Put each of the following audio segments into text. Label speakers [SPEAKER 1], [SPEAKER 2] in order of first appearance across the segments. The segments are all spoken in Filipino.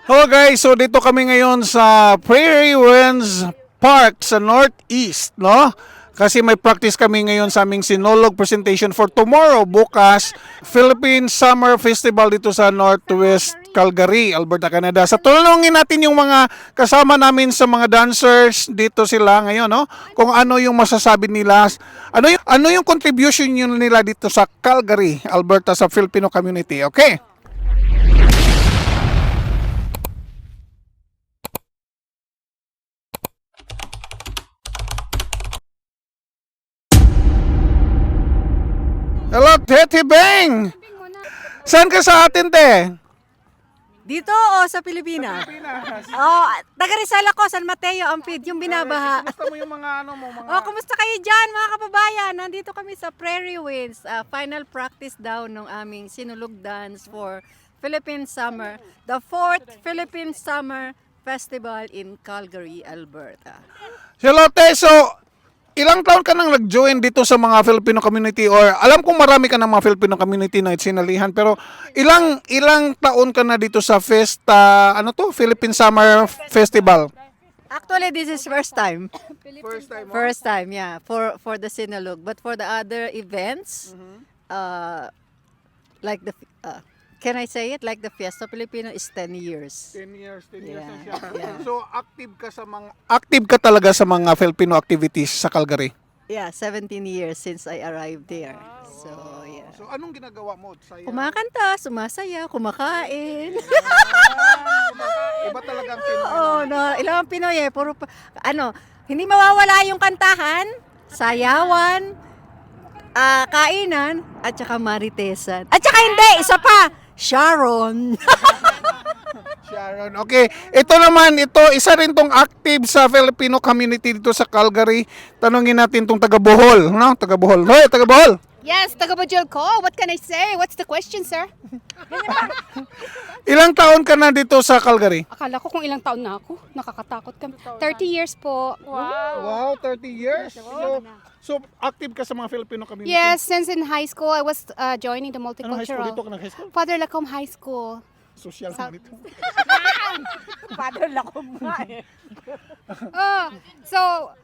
[SPEAKER 1] Hello guys, so dito kami ngayon sa Prairie Winds Park sa Northeast, no? Kasi may practice kami ngayon sa aming Sinulog presentation for tomorrow, bukas, Philippine Summer Festival dito sa Northwest Calgary, Alberta, Canada. Sa tulungin natin yung mga kasama namin sa mga dancers dito sila ngayon, no? Kung ano yung masasabi nila, ano yung contribution nila dito sa Calgary, Alberta, sa Filipino community, okay? Hello, Tete Bang! Saan ka sa atin, te?
[SPEAKER 2] Dito o sa Pilipinas? Oh, taga Rizal ako, San Mateo, Ampid, yung binabaha.
[SPEAKER 1] Kumusta mo yung mga ano mo, mga...
[SPEAKER 2] Oh, kumusta kayo dyan mga kababayan? Nandito kami sa Prairie Winds, final practice daw ng aming sinulog dance for Philippine Summer, the 4th Philippine Summer Festival in Calgary, Alberta.
[SPEAKER 1] Hello, te. So, ilang taon ka nang nag-join dito sa mga Filipino community, or alam kong marami ka ng mga Filipino community na sinalihan, pero ilang taon ka na dito sa Philippine Summer Festival?
[SPEAKER 2] Actually, this is first time.
[SPEAKER 1] First time.
[SPEAKER 2] First time, yeah, for the Sinulog. But for the other events, like the, can I say it? Like the Fiesta Filipino is 10 years.
[SPEAKER 1] 10 years na
[SPEAKER 2] Yeah,
[SPEAKER 1] siya.
[SPEAKER 2] yeah.
[SPEAKER 1] So, active ka talaga sa mga Filipino activities sa Calgary?
[SPEAKER 2] Yeah, 17 years since I arrived there. So, yeah.
[SPEAKER 1] So, anong ginagawa mo? Saya?
[SPEAKER 2] Kumakanta, sumasaya, kumakain.
[SPEAKER 1] Iba talagang Pinoy.
[SPEAKER 2] Oo, no, ilang Pinoy eh. Puro, hindi mawawala yung kantahan, sayawan, kainan, at saka maritesan. At saka hindi, isa pa, Sharon.
[SPEAKER 1] Sharon. Okay, isa rin tong active sa Filipino community dito sa Calgary. Tanungin natin tong taga Bohol, no? Taga Bohol. Hoy, taga Bohol.
[SPEAKER 3] Yes, taga Bajol ko. What can I say? What's the question, sir?
[SPEAKER 1] Ilang taon ka na dito sa Calgary?
[SPEAKER 3] Akala ko kung ilang taon na ako. Nakakatakot ka. 30 years po.
[SPEAKER 1] Wow, 30 years. So active ka sa mga Filipino community?
[SPEAKER 3] Yes, since in high school, I was joining the
[SPEAKER 1] Anong high school?
[SPEAKER 3] multicultural.
[SPEAKER 1] Dito ka nag-high school?
[SPEAKER 3] Father Lacombe High School.
[SPEAKER 1] Social ka dito.
[SPEAKER 2] Father Lacombe.
[SPEAKER 3] So,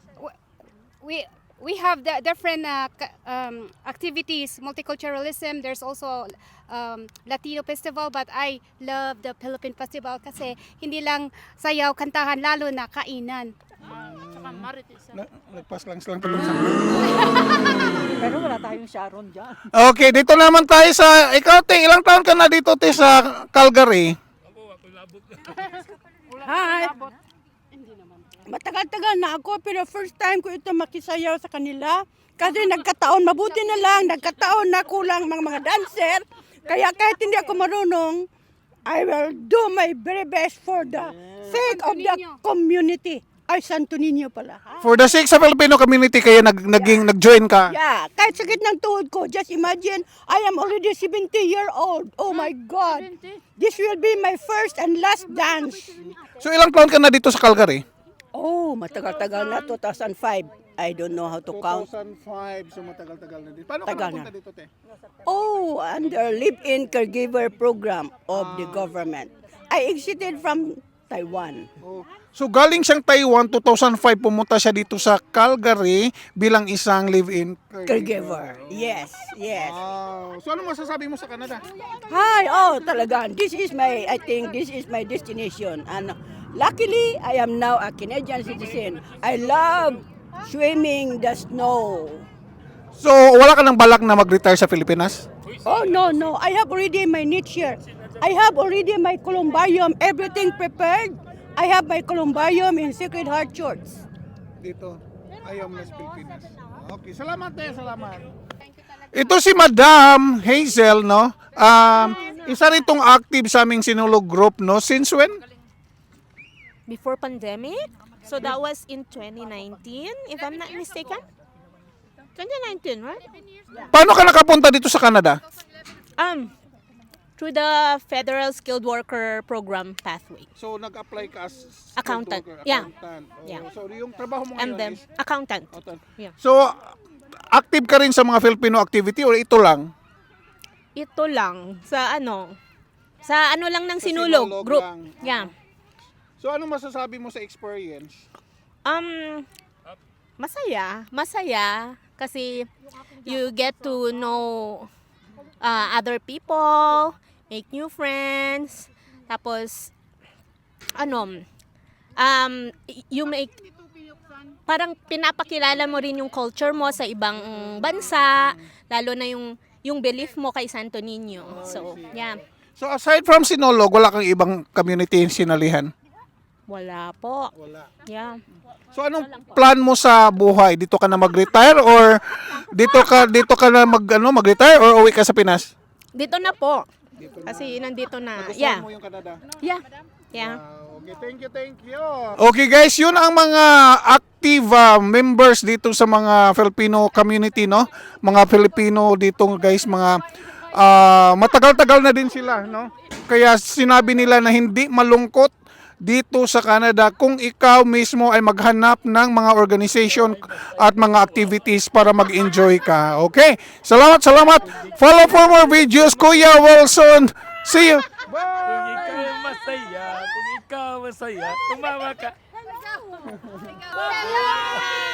[SPEAKER 3] we have the different activities, multiculturalism. There's also Latino festival, but I love the Philippine festival kasi hindi lang sayaw, kantahan, lalo na kainan.
[SPEAKER 1] Nagpas lang tulong sa
[SPEAKER 2] Pero wala tayong Sharon dyan.
[SPEAKER 1] Okay, dito naman tayo sa... Ikaw, te, ilang taon ka na dito, te, sa Calgary?
[SPEAKER 4] Hi! Matagal-tagal na ako pero first time ko ito makisayaw sa kanila. Kasi nagkataon, mabuti na lang, nagkataon na kulang mga dancer. Kaya kahit hindi ako marunong, I will do my very best for the sake of the community. Ay, Santo Niño pala.
[SPEAKER 1] For the sake sa Filipino community, kaya nag-join ka?
[SPEAKER 4] Yeah, kahit sakit ng tuhod ko, just imagine, I am already 70-year-old. Oh my God. This will be my first and last dance.
[SPEAKER 1] So ilang taon ka na dito sa Calgary?
[SPEAKER 4] Oh, matagal-tagal na, 2005. I don't know how to count.
[SPEAKER 1] 2005, so matagal-tagal na dito. Paano
[SPEAKER 4] Tagal
[SPEAKER 1] ka napunta
[SPEAKER 4] na.
[SPEAKER 1] dito, te?
[SPEAKER 4] Oh, under live-in caregiver program of the government. I exited from Taiwan.
[SPEAKER 1] Oh. So galing siyang Taiwan, 2005 pumunta siya dito sa Calgary bilang isang live-in
[SPEAKER 4] Caregiver. Yes, yes.
[SPEAKER 1] Wow. So ano masasabi mo sa Canada?
[SPEAKER 4] Hi, oh, talaga. I think this is my destination. And luckily, I am now a Canadian citizen. I love swimming the snow.
[SPEAKER 1] So wala ka nang balak na mag-retire sa Pilipinas?
[SPEAKER 4] Oh, no, no. I have already my niche here. I have already my columbarium, everything prepared. I have my columbarium in Sacred Heart Church.
[SPEAKER 1] Dito, ayaw mo sa Pilipinas. Okay, salamat te, salamat. Ito si Madam Hazel, no? Isa rin tong active sa aming Sinulog group, no? Since when?
[SPEAKER 5] Before pandemic. So that was in 2019, if I'm not mistaken. 2019, right?
[SPEAKER 1] Paano ka nakapunta dito sa Canada?
[SPEAKER 5] Through the Federal Skilled Worker Program pathway.
[SPEAKER 1] So nag-apply ka as
[SPEAKER 5] Accountant.
[SPEAKER 1] skilled worker,
[SPEAKER 5] Yeah.
[SPEAKER 1] accountant.
[SPEAKER 5] Yeah.
[SPEAKER 1] So yung trabaho mo
[SPEAKER 5] And
[SPEAKER 1] ngayon
[SPEAKER 5] then,
[SPEAKER 1] is
[SPEAKER 5] accountant.
[SPEAKER 1] accountant.
[SPEAKER 5] Yeah.
[SPEAKER 1] So active ka rin sa mga Filipino activity or ito lang?
[SPEAKER 5] Ito lang sa Sa ano lang ng
[SPEAKER 1] Sa
[SPEAKER 5] Sinulog
[SPEAKER 1] Sinulog
[SPEAKER 5] group.
[SPEAKER 1] lang.
[SPEAKER 5] Yeah.
[SPEAKER 1] So ano masasabi mo sa experience?
[SPEAKER 5] Masaya kasi you get to know other people, make new friends, tapos you make parang pinapakilala mo rin yung culture mo sa ibang bansa, lalo na yung belief mo kay Santo Niño. So, yeah.
[SPEAKER 1] So aside from Sinulog, wala kang ibang community sinalihan?
[SPEAKER 5] Wala po.
[SPEAKER 1] Wala.
[SPEAKER 5] Yeah.
[SPEAKER 1] So anong plan mo sa buhay? Dito ka na mag-retire or dito ka na mag-retire or uwi ka sa Pinas?
[SPEAKER 5] Dito na po. Kasi nandito na.
[SPEAKER 1] Nagustuhan
[SPEAKER 5] Yeah.
[SPEAKER 1] mo yung Canada?
[SPEAKER 5] Yeah. Yeah.
[SPEAKER 1] Okay, thank you. Okay guys, yun ang mga active members dito sa mga Filipino community, no? Mga Filipino dito guys, mga matagal-tagal na din sila, no? Kaya sinabi nila na hindi malungkot dito sa Canada kung ikaw mismo ay maghanap ng mga organization at mga activities para mag-enjoy ka. Okay? Salamat. Follow for more videos, Kuya Wilson. See you.
[SPEAKER 6] Kung ikaw masaya, tumawa ka.